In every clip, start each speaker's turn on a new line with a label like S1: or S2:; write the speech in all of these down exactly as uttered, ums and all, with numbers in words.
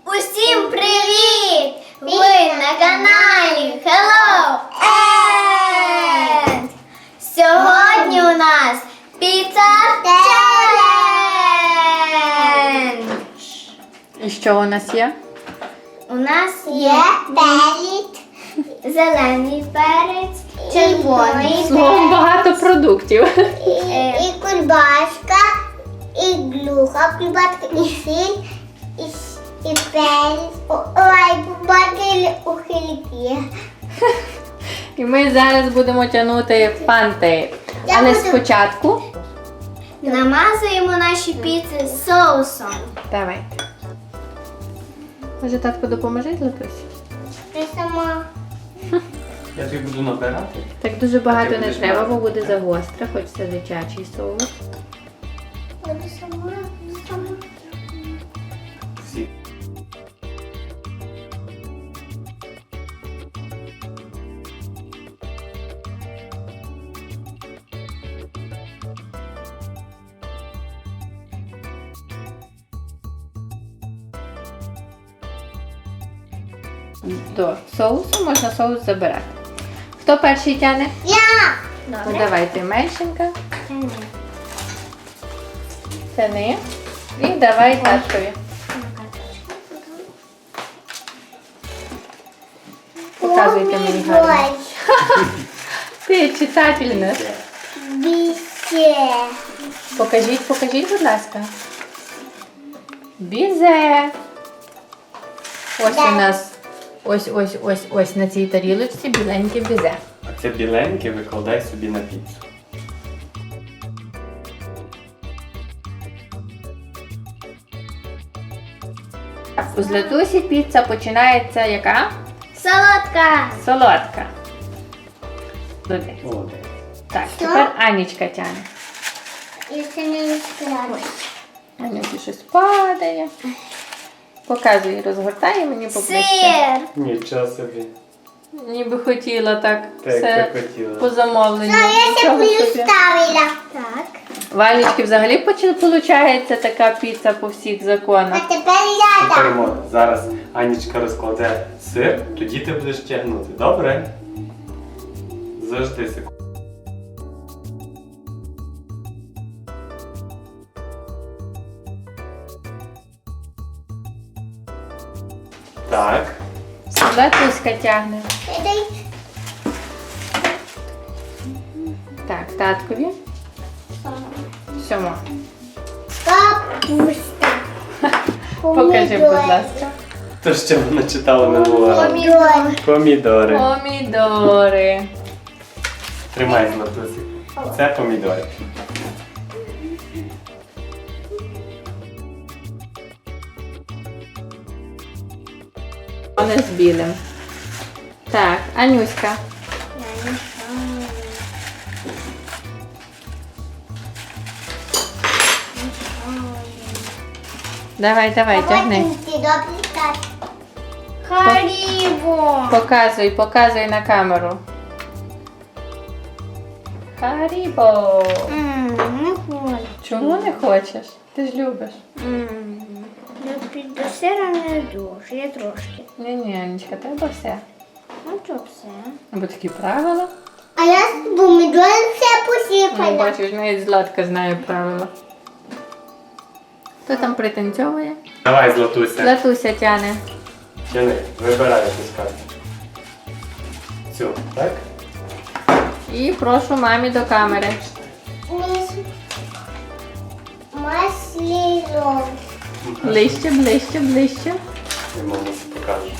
S1: Усім привіт! Ви на каналі Hello And! Сьогодні у нас піца челендж!
S2: І що у нас є?
S1: У нас є перець, зелений перець, червоний
S2: Словом,
S1: перець,
S2: багато продуктів.
S1: і, і кульбашка, і глуха кульбашка, і сіль, і, і перець. О- Ой, побачили ухильки.
S2: І ми зараз будемо тягнути фанти.
S1: Я
S2: Але
S1: буду-
S2: спочатку
S1: Намазуємо наші піци соусом.
S2: давайте. Може, татко допоможе, Латусі?
S1: Ти сама.
S3: Я тобі буду набирати.
S2: Так дуже багато
S3: Ти
S2: не
S3: будеш
S2: треба, бо
S3: брати,
S2: буде
S3: так?
S2: загостре, хоч це дитячий соус.
S1: Буду сама, буду сама.
S3: Всі.
S2: До соусу можна соус забирати. Хто перший тягне?
S1: Я!
S2: Ну,
S1: Добре.
S2: давайте, меншенька. Тяни. І давай таткові. Показуйте мені гарно. Ти читатель наш.
S1: Бісе.
S2: Покажіть, покажіть, будь ласка. Бізе. Ось у нас, ось, ось, ось, ось на цій тарілочці біленьке бізе.
S3: А це біленьке викладай собі на піцу.
S2: У Златусі піца починається яка?
S1: Солодка.
S2: Солодка. Молодець.
S3: Молодець.
S2: Так, тепер Анічка тягне.
S1: І це не відкриваю.
S2: Анюті щось падає. Показуй, розгортає мені поближче.
S1: Сир.
S3: Нічого собі.
S2: Ніби хотіла так.
S3: Так,
S2: Все
S3: як хотіла.
S2: по замовленню.
S1: Я ще
S2: Нічого собі.
S1: ставила. Так.
S2: В Анічки взагалі виходить така піца по всіх
S1: А
S2: законах.
S1: тепер я
S3: Тепер
S1: дам.
S3: можна. Зараз Анічка розкладе сир, тоді ти будеш тягнути. Добре? Завжди секунду. Так.
S2: Златуська тягне.
S1: Дай.
S2: Так, таткові. Сьомо.
S1: Капуста.
S2: Покажи, будь ласка.
S3: То, що вона читала минулого разу.
S1: Помідор.
S3: Помідори.
S2: Помідори.
S3: Тримай, Златусик. Це помідори.
S2: Вони з білим. Так, Анюська. Давай, давай, тягни.
S1: Харібо.
S2: Показуй, показуй на камеру. Харібо.
S1: Ммм, не хочу.
S2: Чому не хочеш? Ти ж любиш.
S1: Ммм. До сира не дуже, я трошки.
S2: Ні-ні, Анечка, треба все.
S1: Ну що все?
S2: Або такі правила.
S1: А я з помідором все
S2: Ну,
S1: посипала.
S2: бачиш, навіть Златка знає правила. Хто там пританцьовує?
S3: Давай, Златуся.
S2: Златуся тяне.
S3: Тяни, вибирай якусь карту. Цю, так?
S2: І прошу мамі до камери.
S1: Масло.
S2: Ближче, ближче, ближче.
S3: Я мамусі покажу.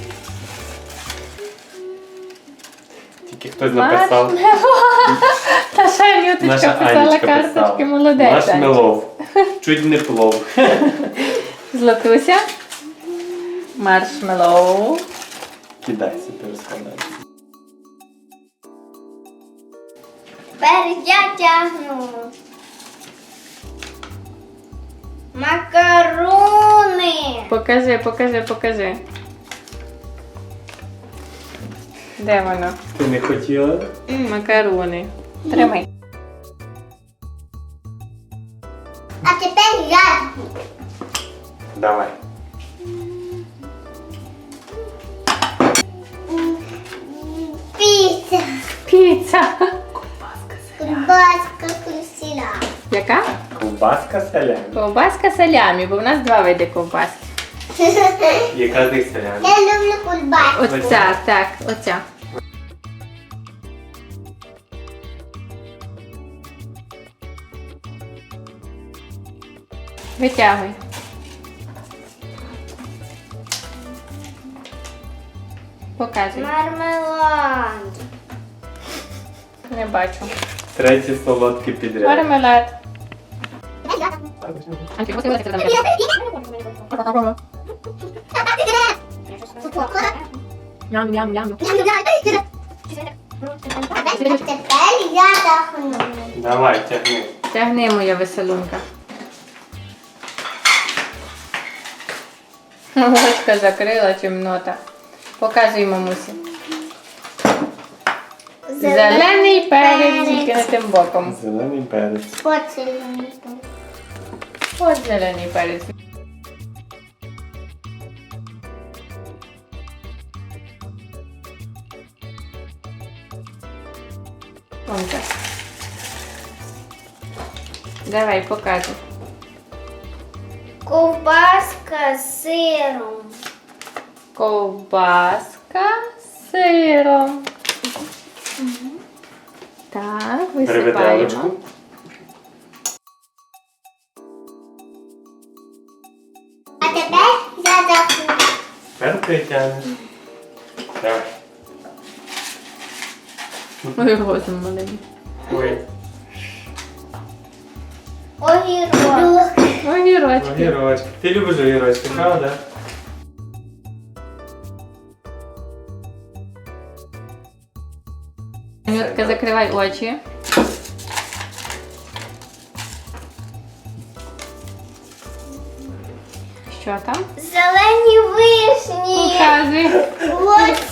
S3: Тільки хтось написав.
S2: Та ще Анюточка
S3: Наша
S2: писала
S3: Анічка
S2: карточки,
S3: писала.
S2: молодець. Анечка.
S3: Маршмеллоу. Чуть не плов.
S2: Златуся. Маршмеллоу.
S3: Кидай собі розкладай.
S1: Тепер я тягну. Макарони.
S2: Покажи, покажи, покажи. Де воно?
S3: Ти не хотіла?
S2: Макарони. Тримай.
S1: А тепер я.
S3: Давай.
S2: Оця.
S4: Кубаска красила.
S2: Яка?
S3: Ковбаска салямі.
S2: Ковбаска салямі, бо в нас два види ковбаски.
S3: Яка з них салямі?
S4: Я люблю кубаску.
S2: Оця, так, оця. Витягуй. Показуй.
S1: Мармелад.
S2: Не бачу.
S3: Третій солодкий підряд.
S2: Мармелад. Ням-ням-ням.
S4: Тепер я дохну.
S3: Давай, тягни.
S2: Тягни, моя веселунка. Очка закрила чимнота. Показуй мамусі. Зелений перець тільки не тим боком.
S3: Зелений перець.
S4: Поцілуй.
S2: Ось зелений перець. Вон так. Давай, показуй.
S1: Ковбаска з сиром.
S2: Ковбаска з сиром. Так,
S3: Бери
S2: висипаємо.
S3: виделочку.
S4: А тепер я дохну.
S3: Тепер ти тягнеш. Давай.
S2: Ой, розум маленький.
S3: Ой.
S1: Огірок.
S2: Огірочки.
S3: Огірочки. Ти любиш огірочки, правда?
S2: Анютка, закривай очі. Що там?
S1: Зелені вишні.
S2: Показуй.
S4: Ось.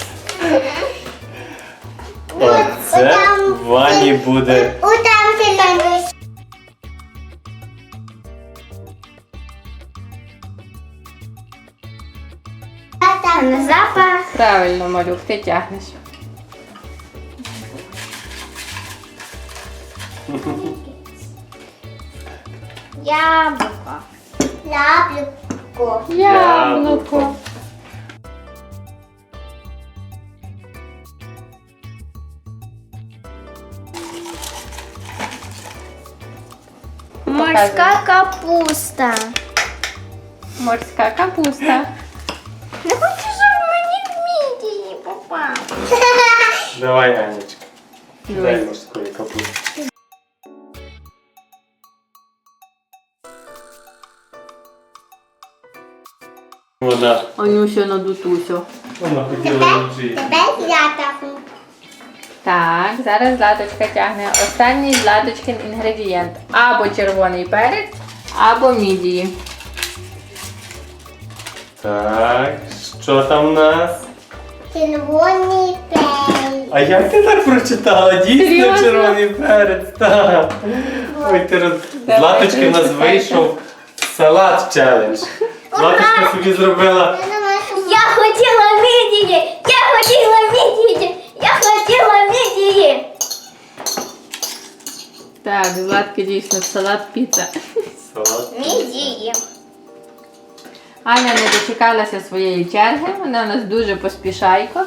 S3: Оце в ванні буде.
S4: Отам зелений. А там
S1: На запах.
S2: Правильно, малюк, ти тягнеш.
S1: Яблуко.
S4: яблуко.
S2: Яблуко.
S1: Морська капуста.
S2: Морська капуста.
S1: Не хочу, щоб мені в мідії попав.
S3: Давай, Анечка. Дай
S2: Дивись.
S3: морської капусти. Вона,
S2: Анюся надутуся.
S3: вона хотіла вчити.
S4: Тепер я дохну.
S2: Так, зараз Златочка тягне останній Златочкин інгредієнт. Або червоний перець, або мідії.
S3: Так, що там в нас?
S4: Червоний перець.
S3: А як ти так прочитала? Дійсно
S2: Серйозно?
S3: червоний перець, так. Ой, ти роз...
S2: Давай,
S3: Златочки в нас
S2: прочитай.
S3: вийшов салат челендж. Златочка собі зробила.
S4: Я думаю, що
S1: Я хотіла мідії. Я хотіла мідії. Я хотіла мідії.
S2: Так, Златки дійсно салат піца.
S3: Салат.
S1: Мідії.
S2: Аня не дочекалася своєї черги, вона у нас дуже поспішайко.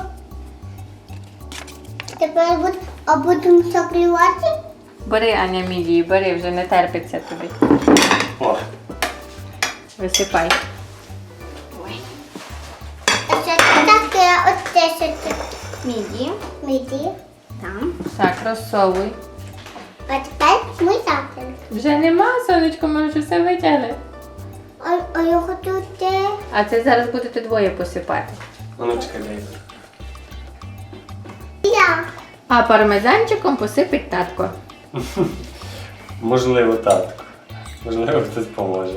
S4: тепер буд- а будемо закривати.
S2: Бери, Аня, мідії, бери, вже не терпиться тобі.
S3: О,
S2: Висипай.
S4: А що це таке? Оце що це?
S1: Мідії.
S4: Міді.
S1: Там.
S2: Так, розсовуй.
S4: А тепер ми завтра.
S2: Вже нема, сонечко, ми вже все витягли.
S4: А, а я хочу те.
S2: А це зараз будете двоє посипати.
S3: а ну чекай, дай.
S4: Я.
S2: А пармезанчиком посипить татко.
S3: Можливо, татко. Можливо, хтось поможе.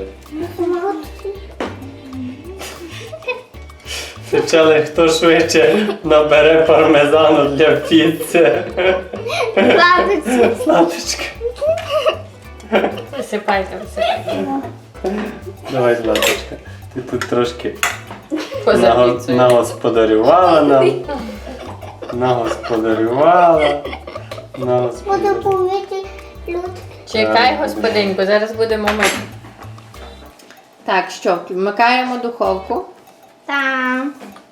S3: Почали, хто швидше набере пармезану для піци.
S1: Бабиці.
S3: Златочка.
S2: Висипайте, висипайте.
S3: Давай, Златочка. Ти тут трошки
S2: Поза
S3: наго-
S2: піцею.
S3: нагосподарювала нам. Нагосподарювала. На вас
S4: Буду
S3: піде.
S4: помити людки.
S2: Чекай,
S3: Так,
S2: господинку, зараз будемо мити. Так, що, вмикаємо духовку.
S1: Там.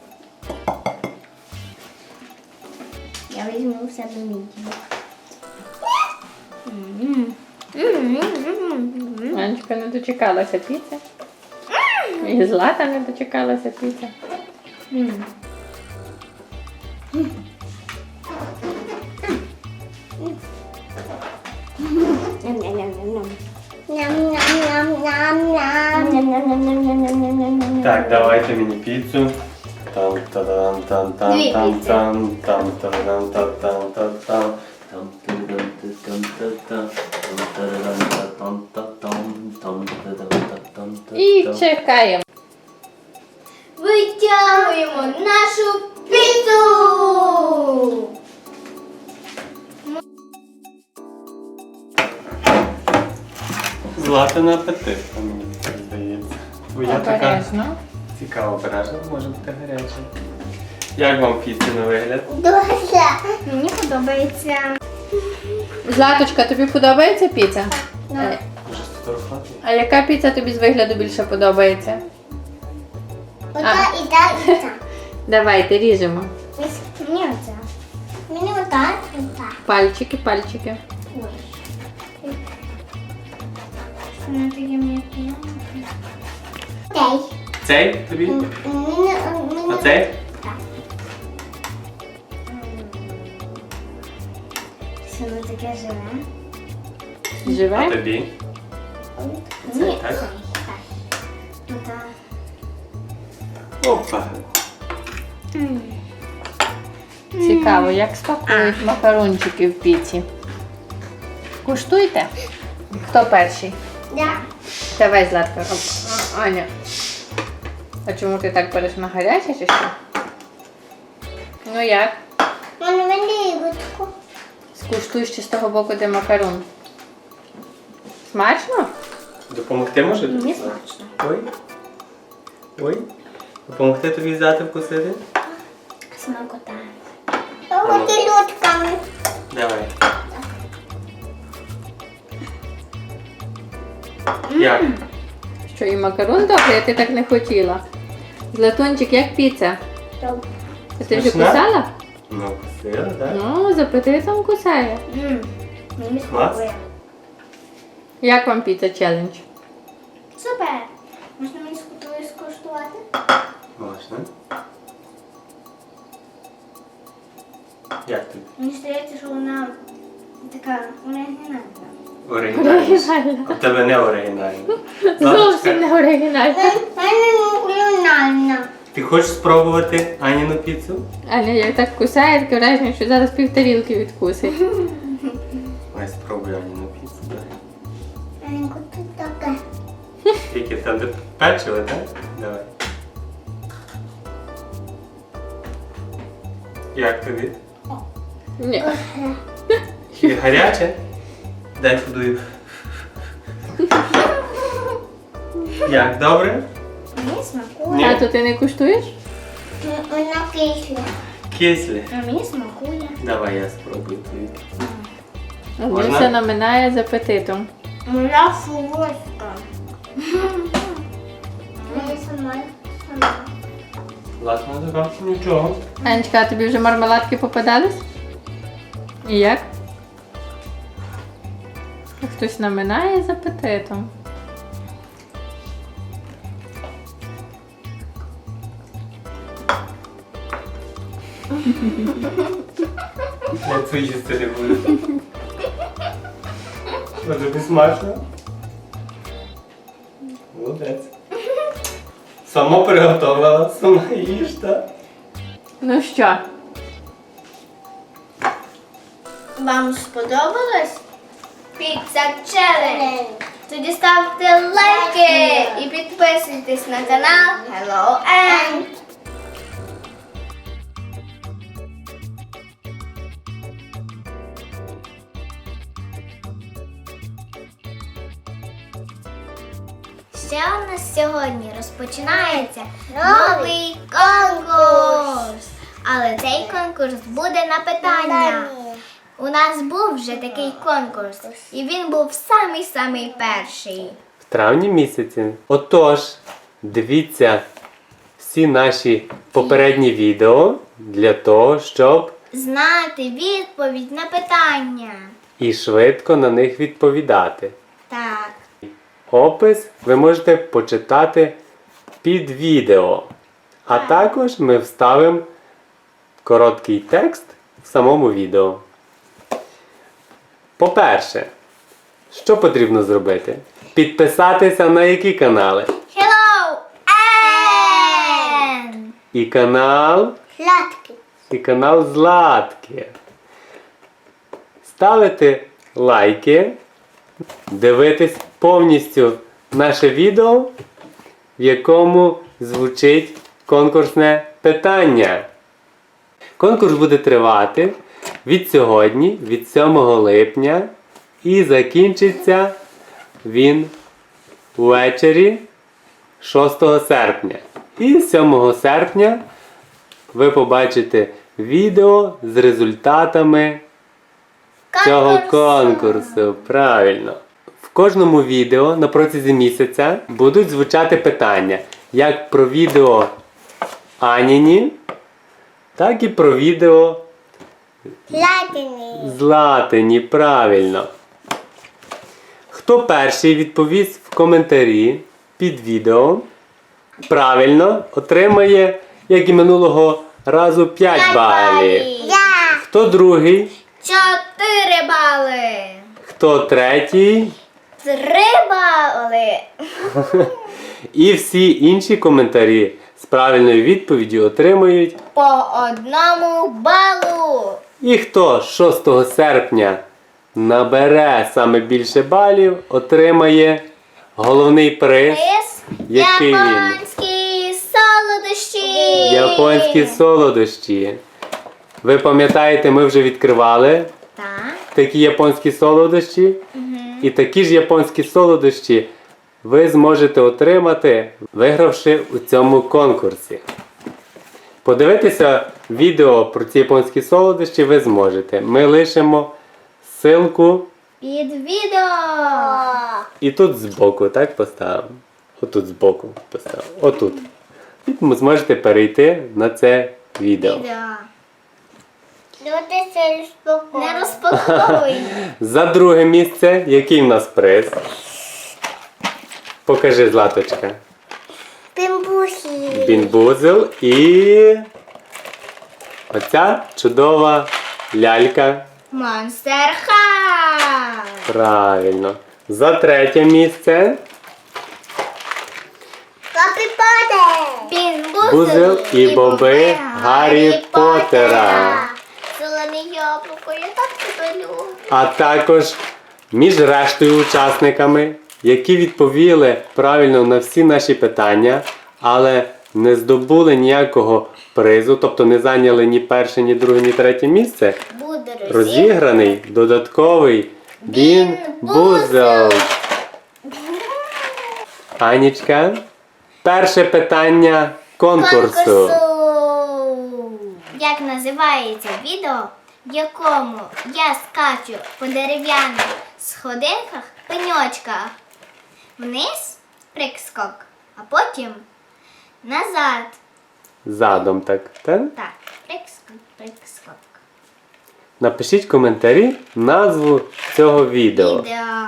S1: Я візьму в себе мідію.
S2: Анечка не дочекалася піци. І Злата не дочекалася піци.
S4: Ням-ням-ням-ням-ням.
S3: Так, давайте мені піцу. Там та-дам там там
S1: Дві
S3: там
S1: піци.
S3: там там та-дам та там та там там та-дам та там та там там та-дам та там та там там та-дам та там та
S2: І
S3: там.
S2: чекаємо.
S1: Витягуємо нашу піцу!
S3: Златина апетит, мені так здається. Твоя така
S2: Обережно.
S3: цікава обережна, може бути гаряча. Як вам піца на вигляд?
S4: Дуже.
S1: Мені подобається.
S2: Златочка, тобі подобається піца? Е,
S3: Може сфотографувати?
S2: А яка піца тобі з вигляду більше подобається?
S4: Ота і та, і та.
S2: Давайте ріжемо.
S1: Мені оця.
S4: Мені ота і та.
S2: Пальчики, пальчики.
S1: Воно таке м'яке.
S4: Цей.
S3: Цей тобі?
S4: Мені, мені.
S3: А цей?
S1: Що воно таке живе?
S3: А
S2: Живе?
S3: тобі?
S1: Ні.
S3: Так?
S1: Ота.
S3: Опа.
S2: Цікаво, як смакують макарончики в піці. Куштуйте. Хто перший?
S4: Да.
S2: Давай, Златка. Оп. А, Аня. А чому ти так береш на гаряче чи що? Ну як?
S4: Мені великутку.
S2: Скуштуй ще з того боку, де макарон. Смачно?
S3: Допомогти може?
S1: Мені смачно.
S3: Ой. Ой. Допомогти тобі взяти вкусити?
S1: Смакота.
S4: Оті людками.
S3: Давай. Як?
S2: Що, і макарон добрий, а ти так не хотіла? Златунчик, як піца?
S4: Добре.
S2: А ти вже
S3: Смачна?
S2: кусала?
S3: Ну, вкусила, так?
S2: Ну, з апетитом кусає.
S1: Мм. Мені
S3: Клас.
S1: смакує.
S2: Як вам піца челендж?
S1: Супер. Можна мені скуштувати? скуштувати?
S3: Можна. Як тобі?
S1: Мені здається, що вона така оригінальна.
S3: Оригінально. А в тебе не оригінально.
S2: Зовсім не оригінально.
S4: Мені кулінарна.
S3: Ти хочеш спробувати Аніну піцу?
S2: Аня, як так кусає, таке враження, що зараз півтарілки відкусить.
S3: Ой, спробуй Аніну піцу. Давай.
S4: Мені тут таке.
S3: Тільки там де печиво, так? Давай. Як тобі?
S2: Ні.
S3: І гаряче? Дай подую. Як, добре?
S1: Мені смакує.
S3: Ні.
S2: Тату, ти не куштуєш?
S4: Вона кисля.
S3: Кисле.
S1: А мені смакує.
S3: Давай я спробую твою піцу.
S2: Він
S3: Можна?
S2: все наминає з апетитом.
S1: Моя солодка.
S4: Мені сама. Сама.
S3: Власне, така нічого.
S2: Анечка, а тобі вже мармеладки попадались? І як? Хтось наминає з апетитом.
S3: Я це їсти не буду. А тобі смачно? Молодець. Сама приготувала, сама їж, так?
S2: Ну що?
S1: Вам сподобалось? Піца челендж. Тоді ставте лайки і підписуйтесь на канал Hello and Ще у нас сьогодні розпочинається новий конкурс. Але цей конкурс буде на питання. У нас був вже такий конкурс, і він був самий-самий перший.
S3: В травні місяці. Отож, дивіться всі наші попередні відео для того, щоб
S1: Знати відповідь на питання.
S3: і швидко на них відповідати.
S1: Так.
S3: Опис ви можете почитати під відео. А також ми вставимо короткий текст в самому відео. По-перше, що потрібно зробити? Підписатися на які канали?
S1: Hello, Ann!
S3: І канал,
S4: Сладкий.
S3: і канал Златки. Ставити лайки, дивитись повністю наше відео, в якому звучить конкурсне питання. Конкурс буде тривати від сьогодні, від сьомого липня, і закінчиться він ввечері шостого серпня. І сьомого серпня ви побачите відео з результатами цього конкурсу. Правильно. В кожному відео на протязі місяця будуть звучати питання як про відео Аніні, так і про відео
S4: Златиний.
S3: Златині. Правильно. Хто перший відповість в коментарі під відео, правильно, отримає, як і минулого разу, п'ять балів.
S4: Я.
S3: Хто другий,
S1: Чотири бали.
S3: хто третій,
S1: Три бали.
S3: і всі інші коментарі з правильною відповіддю отримають.
S1: По одному балу.
S3: І хто шостого серпня набере саме більше балів, отримає головний приз.
S1: Приз.
S3: Який він?
S1: Японські солодощі.
S3: Японські солодощі. Ви пам'ятаєте, ми вже відкривали
S1: Так.
S3: такі японські солодощі. І такі ж японські солодощі ви зможете отримати, вигравши у цьому конкурсі. Подивитися відео про ці японські солодощі ви зможете. Ми лишимо ссылку
S1: Під відео.
S3: і тут збоку, так, поставимо. Отут збоку поставимо. Отут. І ви зможете перейти на це відео.
S1: Відео.
S4: Люди це розпаковують.
S1: Не розпаковуй.
S3: За друге місце, який в нас приз? Покажи, Златочка.
S4: Пімбусі.
S3: Бінбузел і оця чудова лялька.
S1: Monster High.
S3: Правильно. За третє місце
S4: Папі Поттер.
S3: Бузел і боби Гаррі Поттера.
S1: Зелене яблуко, я так тебе люблю.
S3: А також між рештою учасниками, які відповіли правильно на всі наші питання, але не здобули ніякого призу, тобто не зайняли ні перше, ні друге, ні третє місце,
S1: Буде розіграний.
S3: розіграний додатковий Бін-Бузел. Анічка, перше питання конкурсу.
S1: Як називається відео, в якому я скачу по дерев'яних сходинках пеньочках. Вниз прикскок, а потім назад.
S3: Задом так, так?
S1: Так, прикскок, прикскок.
S3: Напишіть в коментарі назву цього відео.
S1: Відео.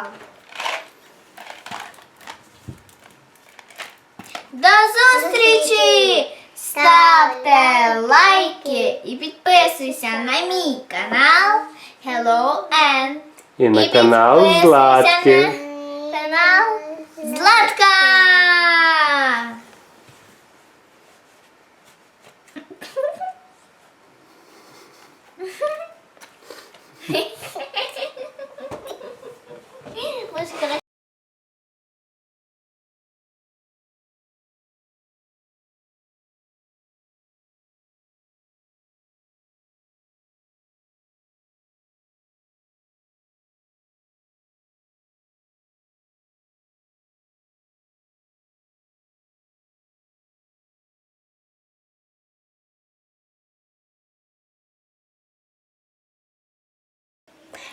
S1: До зустрічі! Ставте лайки і підписуйся на мій канал Hello Ant.
S3: І на
S1: І
S3: канал
S1: підписуйся
S3: Златки.
S1: на канал Златка!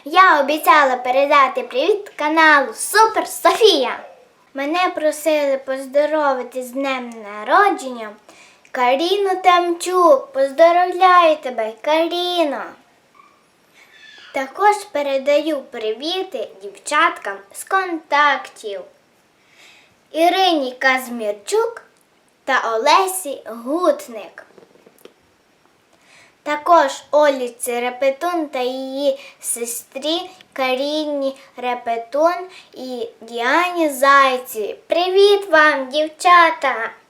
S1: Я обіцяла передати привіт каналу Супер Софія. Мене просили поздоровити з днем народження Каріну Тамчук. Поздоровляю тебе, Каріно. Також передаю привіти дівчаткам з контактів Ірині Казмірчук та Олесі Гутник. Також Оліці Репетун та її сестрі Каріні Репетун і Діані Зайцевій. Привіт вам, дівчата!